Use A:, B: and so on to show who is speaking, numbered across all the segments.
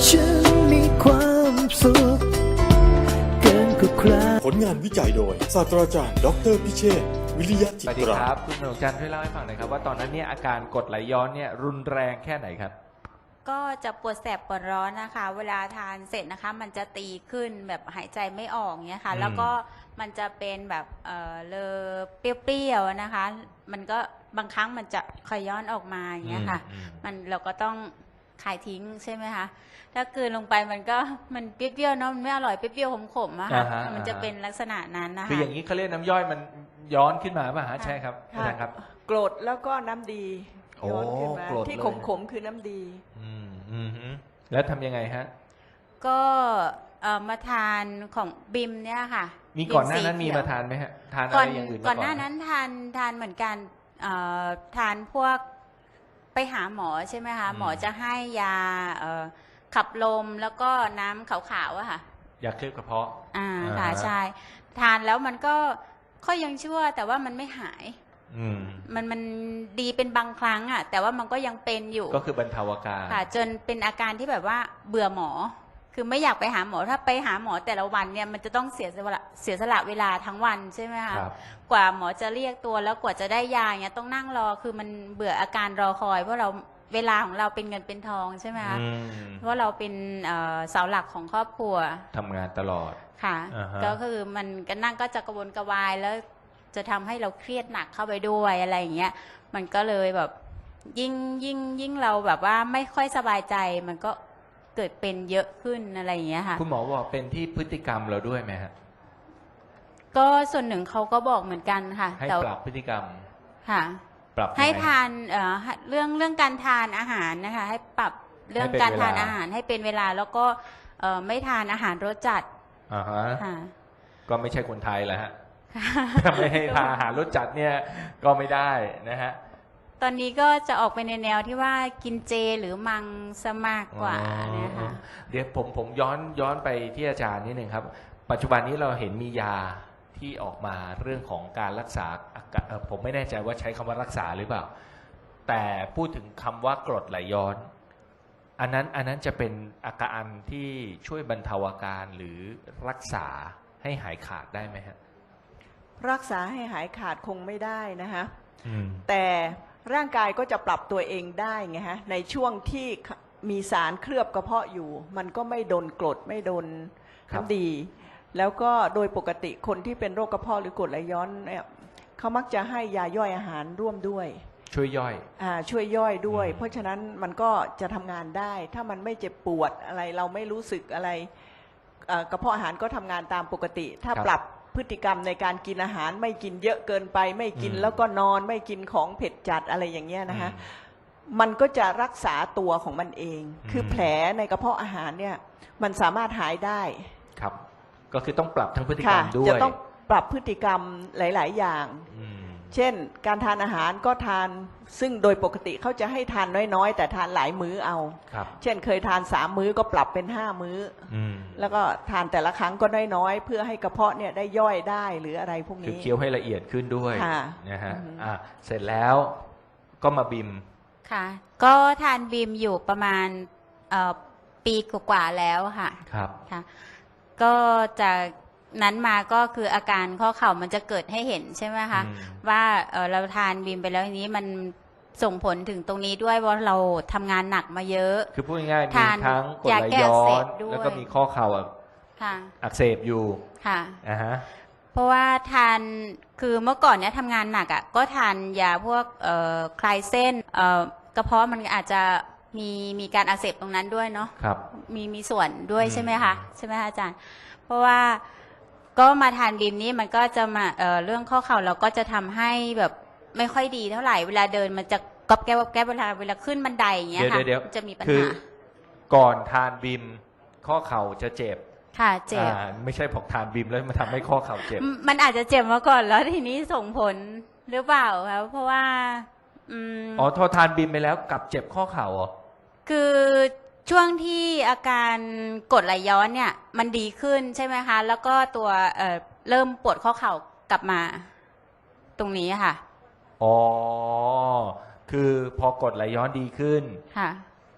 A: ฉันมีความสุขเกินกว่าใคร
B: ผลงานวิจัยโดยศาสตราจารย์ดออเตอร์พิเชษฐ์วิริยะจิ
C: สวัสดี
B: ตรา
C: ครับคุณหนกจันทร์ช่วยเล่าให้ฟังหน่อยครับว่าตอนนั้นเนี่ยอาการกรดไหลย้อนเนี่ยรุนแรงแค่ไหนครับ
D: ก็จะปวดแสบปวดร้อนนะคะ เวลาทานเสร็จนะคะ มันจะตีขึ้นแบบหายใจไม่ออกเนี้ยค่ะ
C: อืม
D: แล้วก็มันจะเป็นแบบเลอเปรี้ยวๆนะคะ มันก็บางครั้งมันจะคอยย้อนออกมาอย่างเงี้ยค่ะ มันเราก็ต้องขายทิ้งใช่ไหมคะถ้ากลืนลงไปมันก็มันเปรี้ยวๆเนาะมันไม่อร่อยเปรี้ยวๆขมๆอะค่ะ
C: อ่าฮะ
D: มันจะเป็นลักษณะนั้นนะคะ
C: คืออย่างนี้เขาเรียกน้ำย่อยมันย้อนขึ้นมาป่ะฮะใช่ครับอาจารย์ครับ
E: กรดแล้วก็น้ำดี
C: โอ้
E: ย้อนขึ้นมาก
C: รด
E: ที่
C: เลย
E: ขมๆคือน้ำดี
C: ฮึแล้วทำยังไงฮะ
D: ก็มาทานของบิมเนี่ยค่ะ
C: มีก่อนหน้านั้น
D: บิ
C: มี
D: สีเขียว
C: มาทานไหมฮะทานอะ
D: ก่อน
C: ไรอย่างอื่นมา
D: ก่
C: ก่
D: อ
C: อน น
D: หน้านั้นทานเหมือนกันทานพวกไปหาหมอใช่ไหมคะหมอจะให้ยาขับลมแล้วก็น้ำขาวๆอะค่ะ
C: ยาเคลือบกระเพาะ
D: ค่ะใช่ทานแล้วมันก็ยังชั่วแต่ว่ามันไม่หาย
C: อืม
D: มันดีเป็นบางครั้งอะแต่ว่ามันก็ยังเป็นอยู่
C: ก็คือบรรเทาอาการ
D: ค่ะจนเป็นอาการที่แบบว่าเบื่อหมอ คือไม่อยากไปหาหมอถ้าไปหาหมอแต่ละวันเนี่ยมันจะต้องเสียสละเวลาทั้งวันใช่ไหมคะ
C: ครับ
D: กว่าหมอจะเรียกตัวแล้วกว่าจะได้ยาเนี่ยต้องนั่งรอคือมันเบื่ออาการรอคอย เพราะเราเวลาของเราเป็นเงินเป็นทองใช่ไหมคะ
C: อืม
D: เพราะเราเป็นเสาหลักของครอบครัว
C: ทำงานตลอด
D: ค่ะ
C: อ่าฮะ
D: ก็คือมันก็นั่งก็จะกระวนกระวายแล้วจะทำให้เราเครียดหนักเข้าไปด้วยอะไรอย่างเงี้ยมันก็เลยแบบยิ่งเราแบบว่าไม่ค่อยสบายใจมันก็เกิดเป็นเยอะขึ้นอะไรอย่างเงี้ยค่ะ
C: คุณหมอบอกเป็นที่พฤติกรรมเราด้วยไหมฮะ
D: ก็ส่วนหนึ่งเขาก็บอกเหมือนกันค่ะ
C: ให้
D: แต่
C: ปรับพฤติกรรม
D: ค่ะ
C: ปรับยังไง
D: ให้ทานเรื่องการทานอาหารนะคะให้ปรับเรื่องการทานอาหารให้เป็นเวลาแล้วก็ไม่ทานอาหารรสจัด
C: อ่าฮะ
D: ค่ะ
C: ก็ไม่ใช่คนไทยแหละฮะ ถ้าไม่ให้ทานอาหารรสจัดเนี่ยก็ไม่ได้นะฮะ
D: ตอนนี้ก็จะออกไปในแนวที่ว่ากินเจหรือมังสมากกว่านะคะ
C: เดี๋ยวผมย้อนไปที่อาจารย์นิดหนึ่งครับ ปัจจุบันนี้เราเห็นมียาที่ออกมาเรื่องของการรักษาอาการผมไม่แน่ใจว่าใช้คำว่ารักษาหรือเปล่า แต่พูดถึงคำว่ากรดไหลย้อน อันนั้นจะเป็นอาการที่ช่วยบรรเทาอาการหรือรักษาให้หายขาดได้ไหมฮะ
E: รักษาให้หายขาดคงไม่ได้นะคะ
C: อืม
E: แต่ร่างกายก็จะปรับตัวเองได้ไงฮะในช่วงที่มีสารเคลือบกระเพาะอยู่ มันก็ไม่โดนกรดไม่โดน
C: ครับ
E: น้ำดี แล้วก็โดยปกติคนที่เป็นโรคกระเพาะหรือกรดไหลย้อนเนี่ยเขามักจะให้ยาย่อยอาหารร่วมด้วย
C: ช่วยย่อย
E: ช่วยย่อยด้วย
C: อืม
E: เพราะฉะนั้นมันก็จะทำงานได้ ถ้ามันไม่เจ็บปวดอะไรเราไม่รู้สึกอะไรกระเพาะอาหารก็ทำงานตามปกติ ถ้าปรับพฤติกรรมในการกินอาหารไม่กินเยอะเกินไป ไม่กินแล้วก็นอนไม่กินของเผ็ดจัดอะไรอย่างเงี้ยนะคะมันก็จะรักษาตัวของมันเอง คือแผลในกระเพาะอาหารเนี่ยมันสามารถหายได้
C: ครับ ก็คือต้องปรับทั้งพฤติกรร
E: ค่ะ
C: มด้วย
E: จะต้องปรับพฤติกรรมหลาย ๆ อย่าง
C: อืม
E: เช่นการทานอาหารก็ทานซึ่งโดยปกติเขาจะให้ทานน้อยๆ แต่ทานหลายมื้อเอา
C: ครับ
E: เช่นเคยทาน3 มื้อก็ปรับเป็น5 มื้อ
C: อืม
E: แล้วก็ทานแต่ละครั้งก็น้อยๆ เพื่อให้กระเพาะเนี่ยได้ย่อยได้หรืออะไรพวก
C: คือ
E: นี้
C: เคี้ยวให้ละเอียดขึ้นด้วย
E: ค่ะ
C: นะฮะ
E: อืม
C: เสร็จแล้วก็มาบิม
D: ค่ะ ก็ทานบีมอยู่ประมาณปีกว่าๆแล้วค่ะ
C: ครับ
D: ค่ะ ก็จากนั้นมาก็คืออาการข้อเข่ามันจะเกิดให้เห็นใช่ไหมคะ
C: อืม
D: ว่าเราทานบีมไปแล้วทีนี้มันส่งผลถึงตรงนี้ด้วยว่าเราทำงานหนักมาเยอะ
C: คือพูดง่ายๆมี
D: ทาน
C: ทั้งกรด
D: ยา
C: ไหล
D: แก้
C: ย้
D: อัก
C: อ
D: เส
C: น
D: บด้วย
C: แล้วก็มีข้อเข่า
D: ค่ะ
C: อักเสบอยู่
D: ค่ะ
C: นะฮะ
D: เพราะว่าทานคือเมื่อก่อนเนี้ยทำงานหนักอ่ะก็ทานยาพวกคลายเส้นกระเพาะมันอาจจะมีการอักเสบตรงนั้นด้วยเนาะ
C: ครับ
D: มีส่วนด้วย
C: อืม
D: ใช่ไหมคะใช่ไหมคะอาจารย์ เพราะว่าก็มาทานบีมนี้มันก็จะมาเรื่องข้อเข่าเราก็จะทำให้แบบไม่ค่อยดีเท่าไหร่เวลาเดินมันจะก๊อบแก๊บเวลาขึ้นบันไดอย่างเงี้ยค่ะ
C: เดี๋ยว
D: มันจะมีปัญ
C: คือ
D: หา
C: ก่อนทานบิมข้อเข่าจะเจ็บ
D: ค่ะเจ็บ
C: ไม่ใช่พอกทานบิมแล้วมาทำให้ข้อเข่าเจ็บ
D: มันอาจจะเจ็บมาก่อนแล้วทีนี้ส่งผลหรือเปล่าครับเพราะว่า
C: อ๋อพอทานบิมไปแล้วกลับเจ็บข้อเข่าเหรอ
D: คือช่วงที่อาการกรดไหลย้อนเนี่ย มันดีขึ้นใช่ไหมคะ แล้วก็ตัวเริ่มปวดข้อเข่ากลับมา ตรงนี้ค่ะ
C: อ๋อ คือพอกรดไหลย้อนดีขึ้น
D: ค่ะ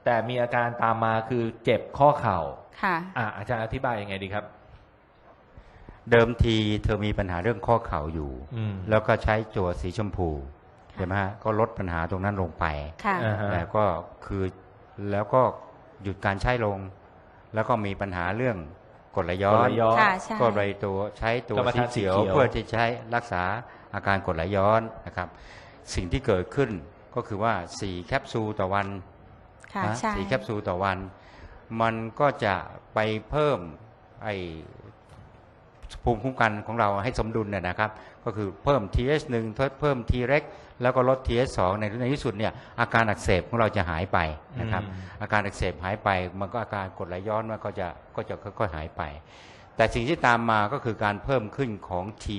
C: แต่มีอาการตามมาคือเจ็บข้อเข่า
D: ค่ะ
C: อาจารย์อธิบายยังไงดีครับ
F: เดิมทีเธอมีปัญหาเรื่องข้อเข่าอยู่ แล้วก็ใช้ตัวสีชมพูใช่ไหมฮะก็ลดปัญหาตรงนั้นลงไป
D: ค่ะ
C: อ่าฮะ
F: แต่ก็คือแล้วก็หยุดการใช้ลง แล้วก็มีปัญหาเรื่องกรดไหลย้อน
D: ค่ะใช่
F: ก็เลยตัวใช้ตัว
C: กรรม
F: สี
C: ฐานสี
F: เขียว
C: เขียว
F: เพื่อที่ใช้รักษาอาการกรดไหลย้อนนะครับ สิ่งที่เกิดขึ้นก็คือว่า4แคปซูลต่อวัน
D: ค่ะ
F: นะ
D: ใช่
F: 4แคปซูลต่อวัน มันก็จะไปเพิ่มไอภูมิคุ้มกันของเราให้สมดุลเนี่ยนะครับ ก็คือเพิ่ม TH1 เพิ่ม T-REX แล้วก็ลด TH2 ในที่สุดเนี่ยอาการอักเสบของเราจะหายไปนะครับ อาการอักเสบหายไปมันก็อาการกรดไหลย้อนมันก็จะค่อยๆหายไป แต่สิ่งที่ตามมาก็คือการเพิ่มขึ้นของ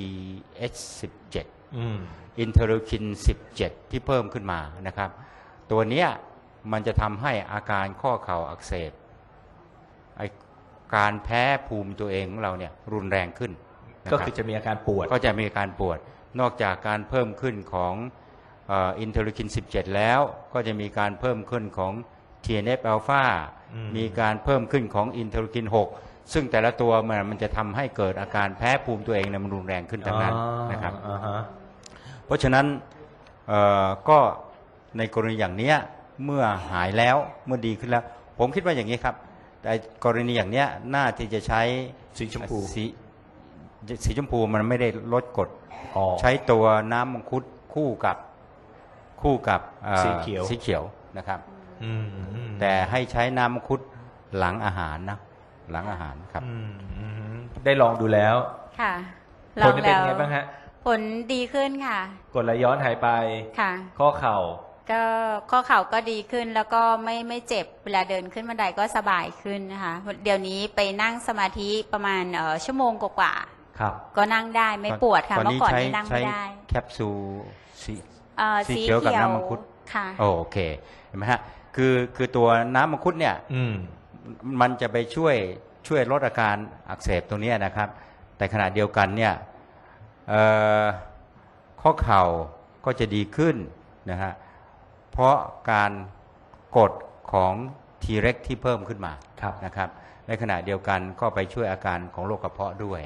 F: TH17 อินเทอร์คิน 17 ที่เพิ่มขึ้นมานะครับ ตัวเนี้ยมันจะทำให้อาการข้อเข่าอักเสบไอการแพ้ภูมิตัวเองของเราเนี่ยรุนแรงขึ้นนะ
C: ก็
F: รับ
C: คือจะมีอาการปวด
F: ก็จะมีอาการปวด นอกจากการเพิ่มขึ้นของอินเทอร์คิน 17 แล้ว ก็จะมีการเพิ่มขึ้นของ TNF อัลฟา มีการเพิ่มขึ้นของอินเทอร์คิน 6 ซึ่งแต่ละตัวมันจะทำให้เกิดอาการแพ้ภูมิตัวเองเนี่ยมันรุนแรงขึ้นทั้งนั้นนะครับ เพราะฉะนั้นก็ในกรณีอย่างเนี้ยเมื่อหายแล้วเมื่อดีขึ้นแล้ว ผมคิดว่าอย่างนี้ครับแต่กรณีอย่างเนี้ยน่าที่จะใช้
C: สีชมพู
F: สีชมพูมันไม่ได้ลดกรด ใช้ตัวน้ำมังคุดคู่กับ
C: สีเขียว
F: สีเขียวนะครับ แต่ให้ใช้น้ำมังคุดหลังอาหารนะหลังอาหารครับ
C: ได้ลองดูแล้ว
D: ค่ะ
C: ผลเป็นไงบ้างฮะ
D: ผลดีขึ้นค่ะ
C: กรดไหลย้อนหายไป
D: ค่ะ
C: ข้อเข่า
D: ก็ข้อเข่าก็ดีขึ้นแล้วก็ไม่เจ็บเวลาเดินขึ้นบันไดก็สบายขึ้นนะคะเดี๋ยวนี้ไปนั่งสมาธิประมาณชั่วโมงกว่า
C: ครับ
D: ๆก็นั่งได้ไม่ปวดค่ะ
F: ตอน
D: เมื่
F: นี้
D: อก่อน
F: ใช้
D: นี่นั่ง
F: ใช้
D: ไม่ได้
F: แคปซูลสี สี
D: สี
F: เขียวกับน้ำมังคุด
D: ค่ะ
F: โอเคเห็นไหมฮะคือตัวน้ำมังคุดเนี่ยมันจะไปช่วยลดอาการอักเสบตรงเนี้ยนะครับ แต่ขณะเดียวกันเนี่ยข้อเข่าก็จะดีขึ้นนะฮะเพราะการกดของ T-REX ที่เพิ่มขึ้นมานะครับในขณะเดียวกันก็ไปช่วยอาการของโรคกระเพาะด้วย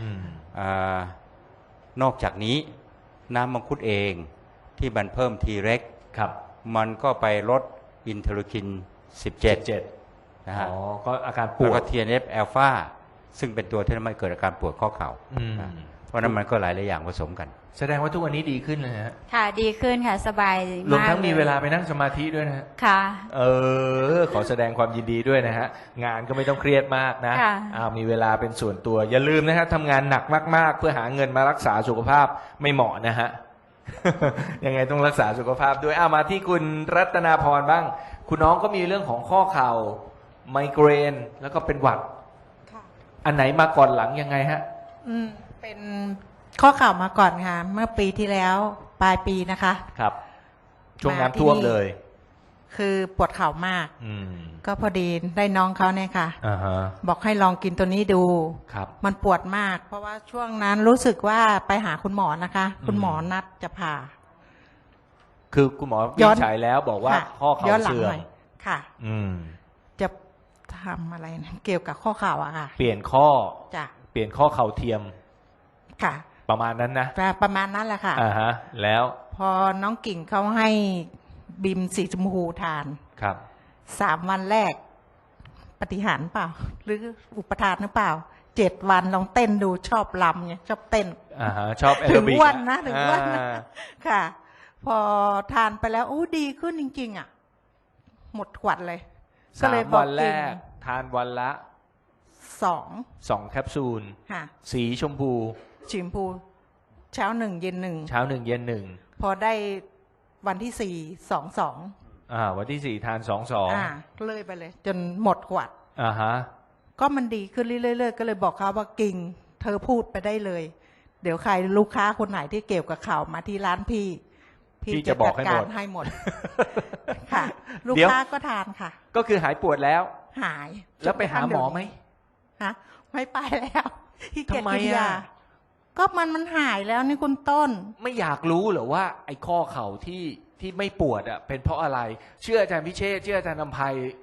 F: นอกจากนี้น้ำมังคุดเองที่มันเพิ่ม T-REX มันก็ไปลดอินเทอร์คิน 17 นะฮะ
C: ก็อาการป
F: แล้ว
C: ว
F: ก็
C: ด
F: TNF อัลฟาซึ่งเป็นตัวที่ทำให้เกิดอาการปวดข้อเข่านะเพราะนั้นมันก็หลายอย่างผสมกัน
C: แสดงว่าทุกวันนี้ดีขึ้นเลยฮะ
D: ค่ะดีขึ้นค่ะสบาย
C: รวม
D: มาก
C: ทั้งมี
D: ย
C: เวลาไปนั่งสมาธิด้วยนะฮะ
D: ค่ะ
C: ขอแสดงความยินดีด้วยนะฮะ งานก็ไม่ต้องเครียดมากนะ
D: ค่ะ
C: มีเวลาเป็นส่วนตัว อย่าลืมนะฮะทำงานหนักมากๆ เพื่อหาเงินมารักษาสุขภาพไม่เหมาะนะฮะ ยังไงต้องรักษาสุขภาพด้วยมาที่คุณรัตนาพรบ้าง คุณน้องก็มีเรื่องของข้อเข่าไมเกรนแล้วก็เป็นหวัด
G: ค่ะ
C: อันไหนมาก่อนหลังยังไงฮะ
G: เป็นข้อเข่ามาก่อนค่ะ เมื่อปีที่แล้วปลายปีนะคะ
C: ครับ ช่วงน้ำท่วมเลย
G: คือปวดเข่ามาก
C: อืม
G: ก็พอดีได้น้องเขาเนี่ยค่ะ
C: อ่าฮะ
G: บอกให้ลองกินตัวนี้ดู
C: ครับ
G: มันปวดมาก เพราะว่าช่วงนั้นรู้สึกว่าไปหาคุณหมอนะคะ คุณหมอนัดจะผ่า
C: คือคุณหมอวิ
G: ย้
C: นิ
G: อน
C: จฉัยแล้วบอกว่า
G: ค่ะ
C: ข้อเข่า
G: ย้อนหลัง
C: เสื่อ
G: ห
C: ม
G: น่อยค่ะ
C: อืม
G: จะทำอะไรนะเกี่ยวกับข้อเข่าอะค่ะ
C: เปลี่ยนข้อ
G: จ้ะ
C: เปลี่ยนข้อเข่าเทียม
G: ค่ะ
C: ประมาณนั้นนะ
G: ประมาณนั้นแหละค่ะ
C: อ่าฮะ แล้ว
G: พอน้องกิ่งเขาให้บิมสีชมพูทาน
C: ครับ
G: 3 วันแรก ปฏิหารย์เปล่า หรืออุปทานหรือเปล่า 7 วันลองเต้นดูชอบลำเนี่ยชอบเต้น
C: อ่าฮะ ชอบแอ
G: ถึ
C: โรง บิก
G: อ้วนนะถึงอ้วนนะ
C: อ่า
G: ค่ะ พอทานไปแล้วอู้ดีขึ้นจริง ๆ อ่ะ หมดขวดเลย ก็เลย
C: 3
G: บอก
C: วันแร
G: กิ่ง
C: ก ทานวันละ
G: 2
C: 2 แคปซูล
G: ค่ะ
C: สีชมพู
G: ชิมพู เช้า 1 เย็น
C: เช้า 1 เย็น
G: 1 พอได้วันที่ 4 2 2
C: วันที่ 4 ทาน
G: เลยไปเลย จนหมดขวด
C: 2อ่าฮะ
G: ก็มันดีขึ้นเรื่อยๆก็เลยบอกเขาว่ากิ่ง เธอพูดไปได้เลย เดี๋ยวใครลูกค้าคนไหนที่เกี่ยวกับข่าวมาที่ร้านพี่
C: พี่จะบอกให้หมด
G: จัการให้หมด ค่ะ ลูก
C: เดี๋ยว
G: ค้าก็ทานค่ะ
C: ก็คือหายปวดแล้ว
G: หาย
C: แล้วไปหาหมอไหม
G: ฮะไม่ไปแล้วที่เกียจ
C: ทำไม
G: กินยา
C: อ่ะ
G: ก็มันหายแล้วนี่คุณต้น
C: ไม่อยากรู้เหรอว่า ไอ้ข้อเข่าที่ที่ไม่ปวดอ่ะเป็นเพราะอะไร เชื่ออาจารย์พิเชษฐ์เชื่ออาจารย์นำไพ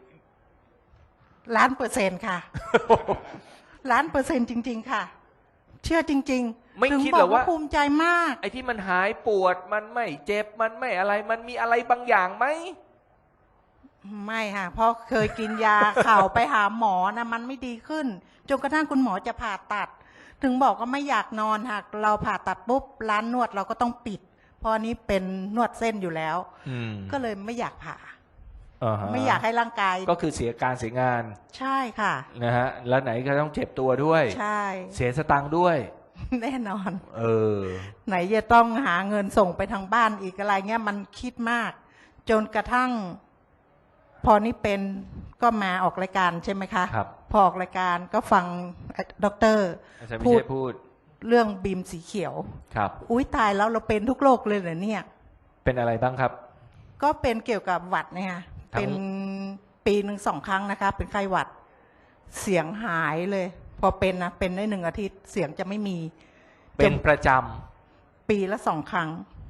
G: 1,000,000%ค่ะ 1,000,000%จริง ๆ ค่ะ เชื่อจริงๆ
C: ไม่
G: ถึง
C: คิด
G: บ
C: เหร
G: อ
C: อก ว่า
G: ว่าภูมิใจมาก
C: ไอ้ที่มันหายปวดมันไม่เจ็บมันไม่อะไรมันมีอะไรบางอย่างไหม
G: ไม่ค่ะ เพราะเคยกินยา เข่าไปหาหมอนะมันไม่ดีขึ้น จนกระทั่งคุณหมอจะผ่าตัด ถึงบอกก็ไม่อยากนอนหากเราผ่าตัดปุ๊บร้านนวดเราก็ต้องปิด เพราะอันนี้เป็นนวดเส้นอยู่แล้ว ก็เลยไม่อยากผ่า ไม่อยากให้ร่างกาย
C: ก็คือเสียการเสียงาน
G: ใช่ค่ะ
C: นะฮะแล้วไหนก็ต้องเจ็บตัวด้วย
G: ใช่
C: เสียสตังค์ด้วย
G: แน่นอน
C: เออ
G: ไหนจะต้องหาเงินส่งไปทางบ้านอีกอะไรเงี้ยมันคิดมาก จนกระทั่ง พอนี่เป็นก็มาออกรายการใช่ไหมคะ
C: ครับ
G: พอออกรายการก็ฟังด็อกเตอร์
C: อาจารย์พิเชษฐ์พูด
G: เรื่องบีมสีเขียว
C: ครับ
G: อุ้ยตายแล้วเราเป็นทุกโรคเลยเหรอเนี่ย
C: เป็นอะไรบ้างครับ
G: ก็เป็นเกี่ยวกับหวัดเนี่ยค่ะ
C: ทั้ง
G: เป็นปีหนึ่ง2 ครั้งนะคะ เป็นไข้หวัด เสียงหายเลย พอเป็นนะเป็นได้1 อาทิตย์เสียงจะไม่มี
C: เป็นประจ
G: ปีละ2 ครั้ง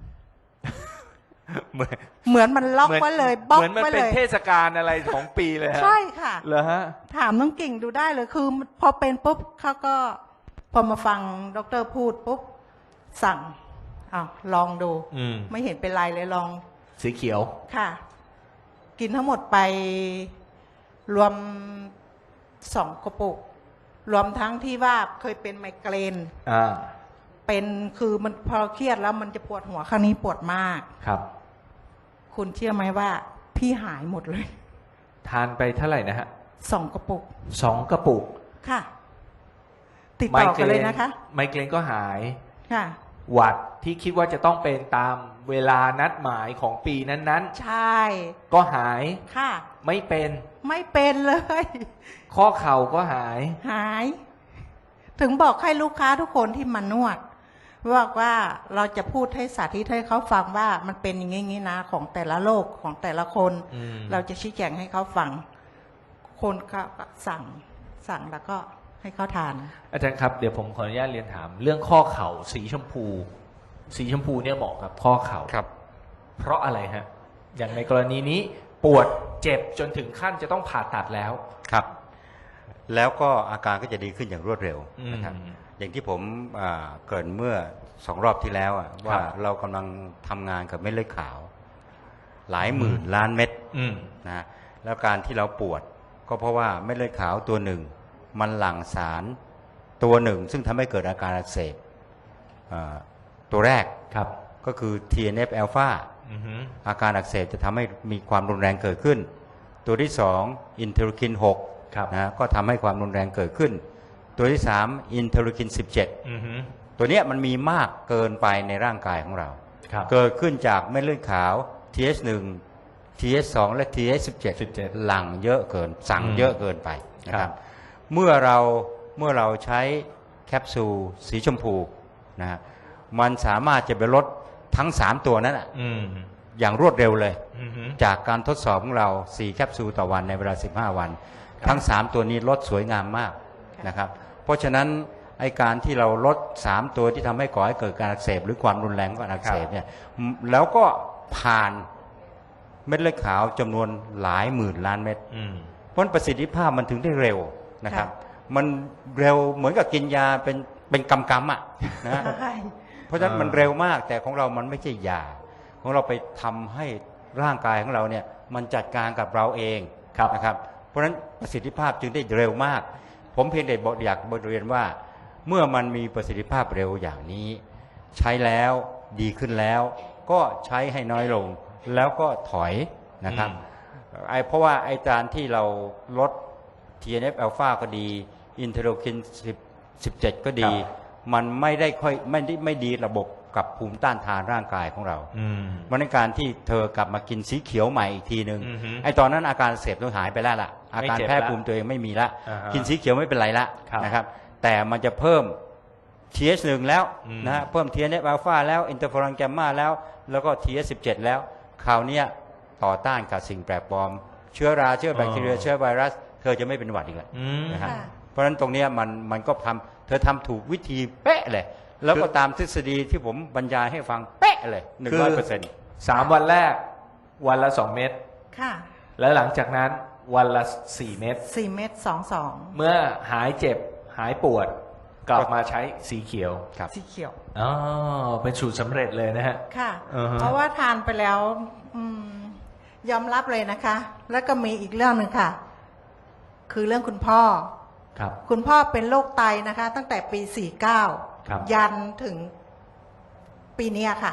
C: ำเหมือน
G: เหมือนมันล็อกไว้เลยบล็อก
C: เหมือนมัน
G: ไว้
C: เป็
G: เล
C: น
G: ย
C: เทศกาลอะไรของปีเลยฮะ
G: ใช่ค่ะ
C: เหรอฮะ
G: ถามน้องกิ่งดูได้เลยคือพอเป็นปุ๊บเขาก็ พอมาฟังด็อกเตอร์พูดปุ๊บสั่งอ้าวลองดู
C: อืม
G: ไม่เห็นเป็นไรเลยลอง
C: สีเขียว
G: ค่ะ กินทั้งหมดไปรวม2 กระปุก รวมทั้งที่ว่าเคยเป็นไมเกรน เป็นคือมันพอเครียดแล้วมันจะปวดหัวครั้งนี้ปวดมาก
C: ครับ
G: คุณเชื่อไหมว่า พี่หายหมดเลย
C: ทานไปเท่าไหร่นะฮะ
G: 2 กระปุก
C: 2 กระปุก
G: ค่ะ ติดต่อกันเลยนะคะ
C: ไมเกรนก็หาย
G: ค่ะ
C: หวัดที่คิดว่าจะต้องเป็นตามเวลานัดหมายของปีนั้น
G: ใช่
C: ๆ ก็หาย
G: ค่ะ
C: ไม่เป็น
G: ไม่เป็นเลย
C: ข้อเข่าก็หาย
G: หาย ถึงบอกให้ลูกค้าทุกคนที่มานวดบอกว่าเราจะพูดให้สาธิตให้เขาฟังว่ามันเป็นอย่างนี้นะของแต่ละโรคของแต่ละคน
C: อืม
G: เราจะชี้แจงให้เขาฟัง คนก็สั่งแล้วก็ให้เขาทาน
C: อาจารย์ครับเดี๋ยวผมขออนุญาตเรียนถาม เรื่องข้อเข่าสีชมพู สีชมพูเนี่ยเหมาะกับข้อเข่า
F: ครับ
C: เพราะอะไรฮะ อย่างในกรณีนี้ปวดเจ็บจนถึงขั้นจะต้องผ่าตัดแล้ว
F: ครับ แล้วก็อาการก็จะดีขึ้นอย่างรวดเร็วนะครับ
C: อืม
F: อย่างที่ผมเกริ่นเมื่อ2 รอบที่แล้วว่าเรากำลังทำงานกับเม็ดเลือดขาว หลายหมื่นล้านเม็ด
C: อืม
F: นะแล้วการที่เราปวดก็เพราะว่าเม็ดเลือดขาวตัวหนึ่งมันหลั่งสารตัวหนึ่ง ซึ่งทำให้เกิดอาการอักเสบตัวแรก
C: ครับ
F: ก็คือ TNF อ l p h a
C: อือฮึ
F: อาการอักเสบจะทำให้มีความรุนแรงเกิดขึ้น ตัวที่2อินเทอร์คิน
C: ครับ
F: 6นะก็ทำให้ความรุนแรงเกิดขึ้น ตัวที่3อินเทอร์คิน
C: อือฮึ
F: 17ตัวเนี้ยมันมีมากเกินไปในร่างกายของเรา
C: ครับ
F: เกิดขึ้นจากเม็ดเลือดขาว TH1 TH2 และ TH17 หลั่งเยอะเกินสั่งเยอะเกินไปนะค
C: ครั
F: รับบ เมื่อเราใช้แคปซูลสีชมพูนะฮะมันสามารถจะไปลดทั้ง3ตัวนั้นอะ
C: อืม
F: อย่างรวดเร็วเลย
C: อือฮึ
F: จากการทดสอบของเรา4แคปซูลต่อวันในเวลา15 วัน ทั้ง3ตัวนี้ลดสวยงามมากนะครับเพราะฉะนั้นไอการที่เราลด3ตัวที่ทำให้ก่อให้เกิดการอักเสบหรือความรุนแรงของการอักเสบเนี่ยแล้วก็ผ่านเม็ดเลือดขาวจำนวนหลายหมื่นล้านเม็ด
C: อืม
F: เพราะประสิทธิภาพมันถึงได้เร็วนะครับ มันเร็วเหมือนกับกินยาเป็นกำอ่ะนะ
G: ใช่
F: เพราะฉะนั้นมันเร็วมากแต่ของเรามันไม่ใช่ยาของเราไปทำให้ร่างกายของเราเนี่ยมันจัดการกับเราเองนะครับเพราะฉะนั้นประสิทธิภาพจึงได้เร็วมาก ผมเพียงแต่อยากบทเรียนว่า เมื่อมันมีประสิทธิภาพเร็วอย่างนี้ ใช้แล้วดีขึ้นแล้ว ก็ใช้ให้น้อยลงแล้วก็ถอยนะครับเพราะว่าไอ้การที่เราลด TNF อ l p h a ก็ดีอินเทอร์คิน17ก็ดี มันไม่ดีระบบกับภูมิต้านทานร่างกายของเรา
C: อืม
F: มันในการที่เธอกลับมากินสีเขียวใหม่อีกทีหนึ่ง
C: อือฮึ
F: ไอ้ตอนนั้นอาการเสพต้องหายไปแล้วล่ะอาการ
C: ไม่เจ็บ
F: แพ้
C: ละ
F: ภูมิตัวเองไม่มีละ
C: อ่าฮะ
F: กินสีเขียวไม่เป็นไรละ
C: ครับ
F: นะครับแต่มันจะเพิ่ม TH1 แล้ว
C: อืม
F: นะฮะเพิ่ม TNF อ l p h a แล้วอินเตอร์ฟอรอนแกมมาแล้วก็ TH17 แล้วคราวเนี้ยต่อต้านกับสิ่งแปลกปลอม เชื้อราเชื้อแบคทีเรียเชื้อไวรัสเธอจะไม่เป็นหวัดอีกแล้ว
C: อืม
F: นะครับ
G: ค่ะ
F: เพราะฉะนั้นตรงเนี้ยมันก็เธอทำถูกวิธีเป๊ะเลย แล้วก็ตามทฤษฎีที่ผมบรรยายให้ฟังเป๊ะเลย 100%
C: 3 วันแรกวันละ 2 เม็ด
G: ค่ะ
C: แล้วหลังจากนั้นวันละ 4 เม็ด
G: 4 เม็ด2
C: เมื่อหายเจ็บหายปวดกลับมาใช้สีเขียว
F: ครับ
G: สีเขียว
C: อ๋อเป็นสูตรสำเร็จเลยนะฮะ
G: ค่ะ
C: อือฮะ
G: เพราะว่าทานไปแล้วยอมรับเลยนะคะ แล้วก็มีอีกเรื่องหนึ่งค่ะ คือเรื่องคุณพ่อ
C: ครับ
G: คุณพ่อเป็นโรคไตนะคะ ตั้งแต่ปี
C: ครับ
G: 49 ยันถึงปีเนี้ยค่ะ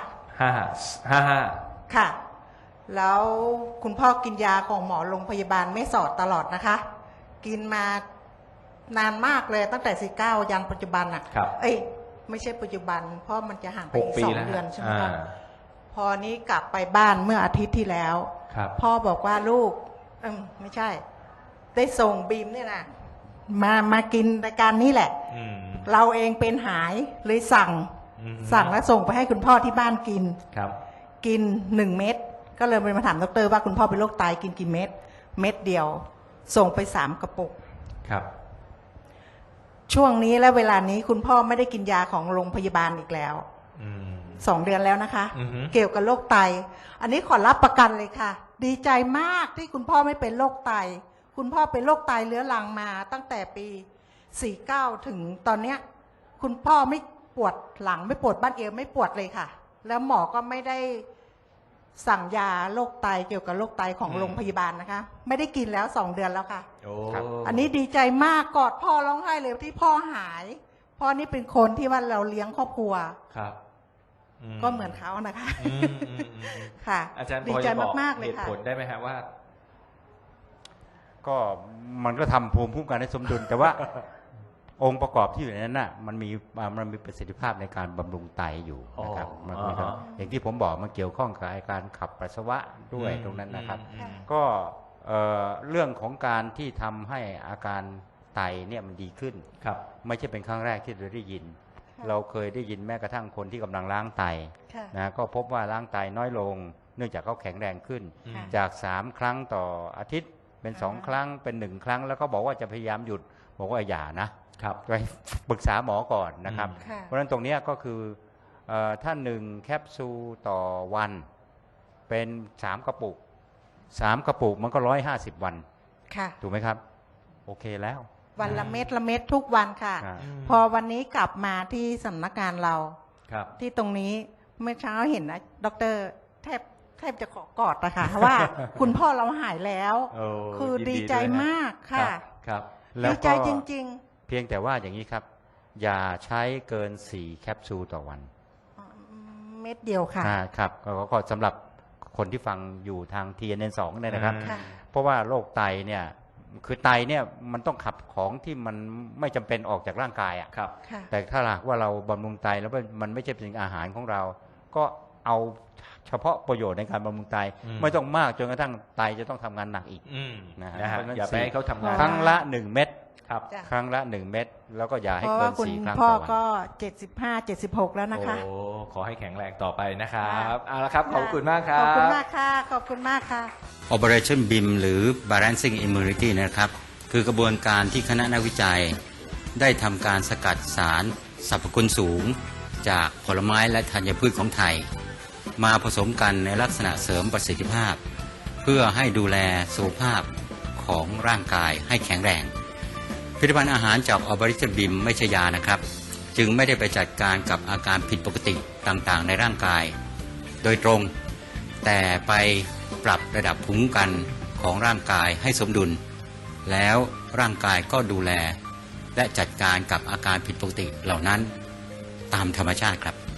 C: 55
G: ค่ะ แล้วคุณพ่อกินยาของหมอโรงพยาบาลไม่สอดตลอดนะคะ กินมานานมากเลยตั้งแต่49ยันปัจจุบันอ่ะ
C: ครับ
G: เอ้ยไม่ใช่ปัจจุบัน เพราะมันจะห่างไปอีก
C: 6 ปี
G: 2
C: แล้ว
G: เดือนใช่ไหม
C: อ่า
G: คะพอนี้กลับไปบ้านเมื่ออาทิตย์ที่แล้ว
C: ครับ
G: พ่อบอกว่าลูกไม่ใช่ ได้ส่งบีมเนี่ยนะมากินรายการนี้แหละ
C: อืม
G: เราเองเป็นหายเลยสั่ง
C: อืม
G: สั่งแล้วส่งไปให้คุณพ่อที่บ้านกิน
C: ครับ
G: กิน1 เม็ดก็เลยมาถามดร.ว่าคุณพ่อเป็นโรคไตกินกี่เม็ดเม็ดเดียว ส่งไป3 กระปุก
C: ครับ
G: ช่วงนี้และเวลานี้คุณพ่อไม่ได้กินยาของโรงพยาบาลอีกแล้ว
C: อืม
G: 2 เดือนแล้วนะคะ
C: อือฮึ
G: เกี่ยวกับโรคไต อันนี้ขอรับประกันเลยค่ะ ดีใจมากที่คุณพ่อไม่เป็นโรคไต คุณพ่อเป็นโรคไตเรื้อรังมาตั้งแต่ปี 49 ถึงตอนเนี้ย คุณพ่อไม่ปวดหลังไม่ปวดบ้านเอวไม่ปวดเลยค่ะ แล้วหมอก็ไม่ได้สั่งยาโรคไตเกี่ยวกับโรคไตของโรงพยาบาลนะคะ ไม่ได้กินแล้ว2 เดือนแล้วค่ะ
C: โอ้
F: ครับ
G: อันนี้ดีใจมากกอดพ่อร้องไห้เลยที่พ่อหายพ่อนี่เป็นคนที่ว่าเราเลี้ยงครอบครัว
C: ครับ
G: ก็เหมือนเขานะคะ
C: อืมอืมอืม
G: ค่ะ
C: อาจารย์
G: ดี
C: พอ
G: ใจ
C: จะบอก
G: มากๆเลย
C: เหตุ
G: ค่ะ
C: ผลได้ไหมฮะว่า
F: ก็มันก็ทำภูมิคุ้มกันให้สมดุล แต่ว่า องค์ประกอบที่อยู่ในนั้นน่ะมันมีประสิทธิภาพในการบำรุงไตอยู่นะครับ
C: อ๋อ
F: มันก็
C: อ่าฮะ
F: อย่างที่ผมบอกมันเกี่ยวข้องกับการขับปัสสาวะด้วยตรงนั้นนะครับ
C: อืม
F: ก็เรื่องของการที่ทำให้อาการไตเนี่ยมันดีขึ้น
C: ครับ
F: ไม่ใช่เป็นครั้งแรกที่เราได้ยิน
G: ค่ะ
F: เราเคยได้ยินแม้กระทั่งคนที่กำลังล้างไต
G: ค่ะ
F: นะก็พบว่าล้างไตน้อยลง เนื่องจากเขาแข็งแรงขึ้น
C: อืม
G: ค่ะ
F: จาก3 ครั้งต่ออาทิตย์เป็น
G: อ่า
F: 2 ครั้งเป็น1 ครั้ง แล้วก็บอกว่าจะพยายามหยุดบอกว่าอย่านะครับ ไปปรึกษาหมอก่อนนะครับ
G: ค่ะ
F: เพราะฉะนั้นตรงเนี้ยก็คือถ้า1 แคปซูลต่อวันเป็น3 กระปุก3 กระปุกมันก็150 วัน
G: ค่ะ
F: ถูกไหมครับ โอเคแล้ว
G: วันละเม็ดละเม็ดทุกวันค่ะ
F: อ่า
G: พอวันนี้กลับมาที่สำนักงานเรา
C: ครับ
G: ที่ตรงนี้เมื่อเช้าเห็นนะดร.แทบจะขอกอดนะคะ ว่า คุณพ่อเราหายแล้ว
C: โอ้
G: คือ
C: ยิน
G: ดี
C: ดี
G: ใจ
C: ด้วยนะ
G: มากค่ะ
C: ครับ
F: แล้ว
G: ดี
F: ก็
G: ใจจริง
F: เพียงแต่ว่าอย่างนี้ครับ อย่าใช้เกิน4 แคปซูลต่อวัน
G: ๆ เม็ดเดียวค่ะ
F: ครับก็สำหรับคนที่ฟังอยู่ทาง TNN2 เนี่ยนะครับ
G: ค่ะ
F: เพราะว่าโรคไตเนี่ยคือไตเนี่ยมันต้องขับของที่มันไม่จำเป็นออกจากร่างกายอ่ะ
C: ครับ
G: ค่ะ
F: แต่ถ้าหากว่าเราบำรุงไตแล้วมันไม่ใช่เป็นอาหารของเรา ก็เอาเฉพาะประโยชน์ในการบำรุงไต
C: อืม
F: ไม่ต้องมากจนกระทั่งไตจะต้องทำงานหนักอีก
C: อืม
F: นะฮะ
C: นะฮะ
F: เพราะฉะนั้น
C: อย่าไปให้เขาทำงาน
F: ครั้งละ 1 เม็ด
C: ครับ
G: จ้ะ
F: ครั้งละ 1 เม็ดแล้วก็อย่า
G: เพ
F: ให้
G: ราะ
F: เกิ
G: ว่าน คุณ
F: 4 ครั้ง
G: พ่อ
F: ต่อวัน
G: ก็75-76 แล้วนะคะ
C: โอ้ขอให้แข็งแรงต่อไปนะครับ
G: ค่ะ
C: เอาละครับ ขอบคุณมากครับ
G: ขอบคุณมากค่ะ ขอบคุณมากค่ะ
F: Operation BIM หรือ Balancing Immunity นะครับ คือกระบวนการที่คณะนักวิจัย ได้ทำการสกัดสารสรรพคุณสูง จากผลไม้และธัญพืชของไทย มาผสมกันในลักษณะเสริมประสิทธิภาพ เพื่อให้ดูแลสุขภาพของร่างกายให้แข็งแรง ผลิตภัณฑ์อาหารจาก Operation BIM ไม่ใช่ยานะครับ จึงไม่ได้ไปจัดการกับอาการผิดปกติต่างๆ ในร่างกาย โดยตรง แต่ไปปรับระดับภูมิคุ้มกันของร่างกายให้สมดุล แล้วร่างกายก็ดูแล และจัดการกับอาการผิดปกติเหล่านั้นตามธรรมชาติครับ